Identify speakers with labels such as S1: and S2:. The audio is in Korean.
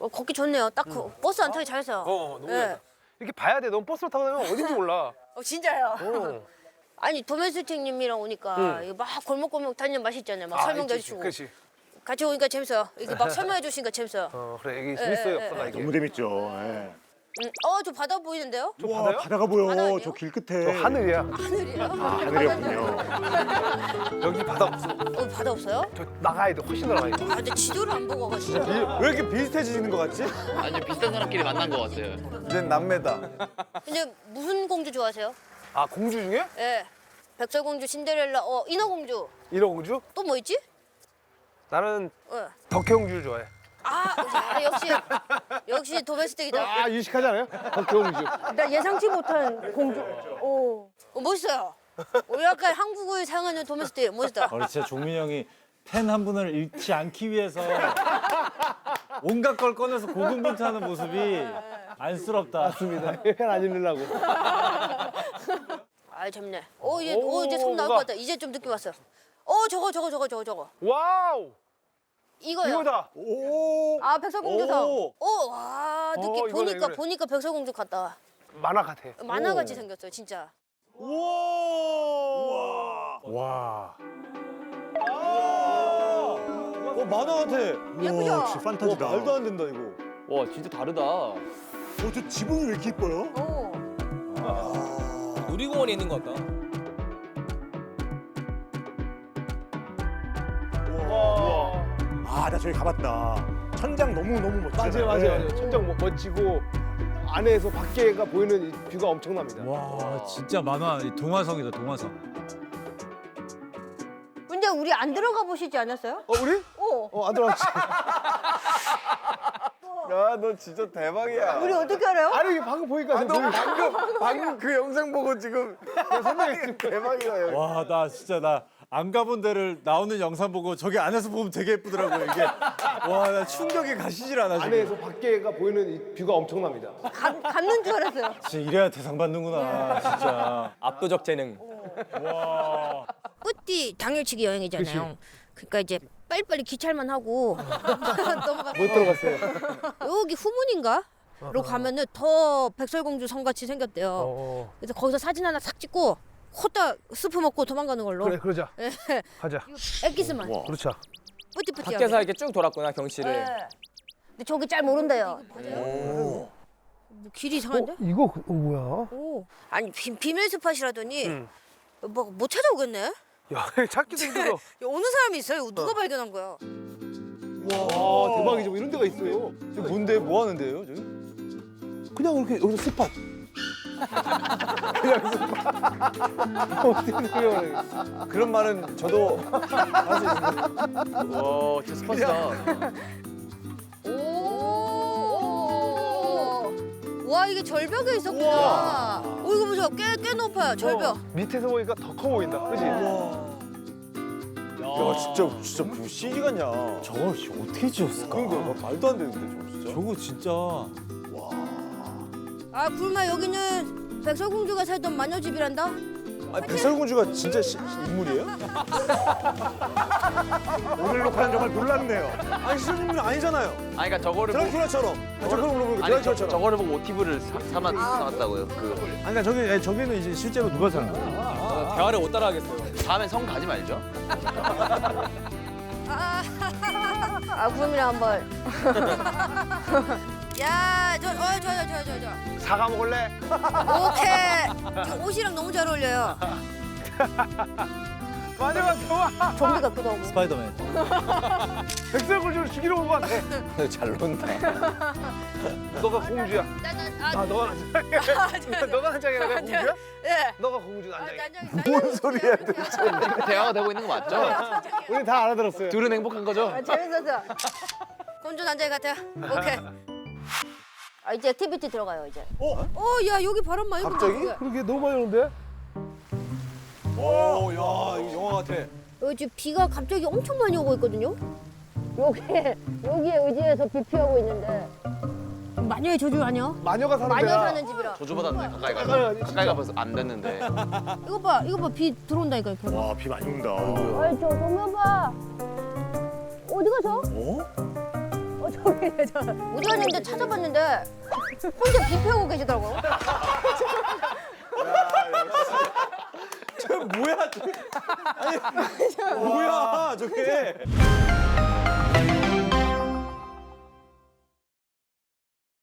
S1: 걷기 좋네요. 딱 버스 안 타기 잘했어요.
S2: 너무
S1: 예.
S2: 좋다. 이렇게 봐야 돼. 너무 버스를 타고 다니면 어딘지 몰라.
S1: 진짜요?
S2: 어.
S1: 아니 도메스틱님이랑 오니까 이거 막 골목골목 다니는 맛이 있잖아요. 막 설명도 해주시고.
S2: 그렇지.
S1: 같이 오니까 재밌어요. 이게 막 설명해 주시니까 재밌어요.
S2: 그래 이게 재밌어요. 없어가 이게.
S3: 너무 재밌죠. 예.
S1: 저 바다 보이는데요?
S2: 저
S3: 와,
S2: 바다요?
S3: 바다가 보여.
S1: 바다 아니에요?
S3: 저 길
S2: 저
S3: 끝에.
S2: 하늘이야.
S1: 하늘이요?
S3: 하늘이었군요.
S2: 여기 바다 없어.
S1: 바다 없어요?
S2: 저 나가야 돼. 훨씬 나가야 돼.
S1: 아, 근데 지도를 안 보고 가시죠.
S4: 왜 이렇게 비슷해지는 것 같지?
S5: 아니요, 비슷한 사람끼리 만난 것 같아요.
S4: 이젠 남매다.
S1: 근데 무슨 공주 좋아하세요?
S2: 아 공주 중에?
S1: 예. 백설공주, 신데렐라, 인어공주.
S2: 인어공주?
S1: 또 뭐 있지?
S2: 나는
S1: 예.
S2: 덕혜공주를 좋아해.
S1: 역시 도메스틱이다.
S2: 아 유식하지 않아요? 덕혜공주.
S1: 나 예상치 못한 공주. 멋있어요. 약간 한국을 사용하는 도메스틱 멋있다.
S6: 진짜 종민이 형이 팬 한 분을 잃지 않기 위해서 온갖 걸 꺼내서 고군분투하는 모습이 안쓰럽다.
S2: 맞습니다. 팬안 잃으려고.
S1: 재밌네. 이제 손 나올 것 같다. 이제 좀 느낌 왔어요. 저거.
S2: 와우.
S1: 이거요.
S2: 이거다.
S3: 오.
S1: 백설공주상.
S3: 오.
S1: 와, 느낌
S2: 이거네.
S1: 보니까 백설공주 같다.
S2: 만화 같아.
S1: 만화같이 생겼어요, 진짜.
S3: 우와.
S2: 와.
S4: 만화 같아.
S1: 예쁘죠?
S3: 우와, 진짜 판타지다.
S4: 말도 안 된다 이거.
S5: 와, 진짜 다르다.
S3: 저 지붕이 왜 이렇게 이뻐요?
S7: 놀이공원에 있는 것 같다.
S2: 와.
S3: 아, 나 저기 가봤다. 천장 너무 멋지잖아요.
S2: 맞아요. 천장 멋지고 안에서 밖에가 보이는 이 뷰가 엄청납니다.
S6: 와 진짜 만화 동화성이다 동화성.
S1: 근데 우리 안 들어가 보시지 않았어요?
S2: 우리? 안 들어왔지.
S4: 야, 너 진짜 대박이야.
S1: 우리 어떻게 알아요?
S2: 아니 방금 보니까
S4: 너 방금 그 영상 보고 지금 선생님 대박이다 여기.
S6: 와 나 진짜 나 안 가본 데를 나오는 영상 보고 저기 안에서 보면 되게 예쁘더라고요 이게. 와 나 충격이 가시질 않아 지금.
S2: 안에서 밖에가 보이는 이 뷰가 엄청납니다.
S1: 갖는 줄 알았어요.
S6: 진짜 이래야 대상 받는구나 진짜.
S7: 압도적 재능.
S6: 와.
S1: 뿌띠 당일치기 여행이잖아요. 그러니까 이제 빨리빨리 기찰만 하고 넘어가.
S2: 못 들어갔어요.
S1: 여기 후문인가? 로 가면은 더 백설공주 성같이 생겼대요. 그래서 거기서 사진 하나 싹 찍고 호딱 스프 먹고 도망가는 걸로.
S2: 그래 그러자.
S1: 예.
S2: 가자.
S1: 엑기스만.
S2: 그렇죠.
S1: 뿌띠뿌띠.
S7: 밖에서 이렇게 쭉 돌았구나 경치를.
S1: 근데 저기 잘 모른대요. 뭐 길이 이상한데?
S2: 이거 뭐야?
S1: 아니 비밀 스팟이라더니 뭐 못 찾아오겠네.
S2: 야 찾기도 힘들어.
S1: 어느 사람이 있어요? 누가 발견한 거야?
S2: 와 대박이죠. 뭐 이런 데가 있어요.
S4: 저 뭔데 뭐 하는데요 저기?
S2: 그냥 이렇게 여기서 스팟. 그냥 스팟. 어떻게 생각해?
S4: 그런 말은 저도 할 수 있습니다.
S5: 와, 진짜 스팟이다.
S1: 와 이게 절벽에 있었구나. 이거 보세요. 꽤 높아요. 절벽.
S2: 밑에서 보니까 더 커 보인다. 그지?
S4: 야 진짜 뭐 CG 같냐?
S6: 저걸 어떻게 지었을까?
S4: 그러니까 말도 안 되는데 저거 진짜.
S6: 저거 진짜.
S1: 굴마 여기는 백설공주가 살던 마녀집이란다.
S4: 아니 백설공주가 진짜 인물이에요?
S3: 오늘 녹화는 정말 놀랍네요.
S4: 아니 실존 인물이 아니잖아요.
S5: 아니, 그러니까 저거를 보고,
S4: 드라큘라처럼. 저걸 물어보니까
S5: 아니,
S4: 드라큘라처럼.
S5: 저거를 보고 모티브를 삼았다고요.
S6: 아니 그러니까 저기는 이제 실제로 누가 사는 거야?
S7: 대화를 못 따라하겠어요.
S5: 다음엔 성 가지 말죠.
S1: 구름이랑 한번. 야, 저.
S2: 사과 먹을래?
S1: 오케이. 저 옷이랑 너무 잘 어울려요.
S2: 마녀가 좋아.
S1: 좀비 같기도 하고.
S6: 스파이더맨.
S2: 백설공주를 죽이러 온 것 같아.
S4: 잘 논다.
S2: 너가 공주야. 너가 난장이야. 너가 난장이야. 내가 공주야?
S1: 예.
S2: 너가 공주 난장이야.
S4: 뭔 소리야 도대체.
S5: 대화가 되고 있는 거 맞죠?
S2: 우리 다 알아들었어요.
S5: 둘은 행복한 거죠?
S1: 재밌었어. 공주 난자이 같아요. 오케이. 이제 액티비티 들어가요 이제. 야 여기 바람 많이 분다.
S4: 갑자기?
S2: 그러게 너무 많이 오는데?
S4: 오, 야 이거 영화 같아.
S1: 여기 지금 비가 갑자기 엄청 많이 오고 있거든요. 여기에 의지해서 비 피하고 있는데. 마녀의 저주 아니야?
S2: 마녀가 사는
S1: 마녀
S2: 데야.
S1: 사는 집이라.
S5: 저주받았네, 가까이
S2: 가까이
S5: 가서.
S2: 가지,
S5: 가까이 가서 안 됐는데.
S1: 이거 봐 비 들어온다니까 이렇게.
S3: 와, 비 많이 온다.
S1: 아이 저 동료봐. 어디 가서? 어디 갔는데 찾아봤는데 혼자 비 피우고 계시더라고요.
S3: 뭐야 저게? 아니, 뭐야 저게?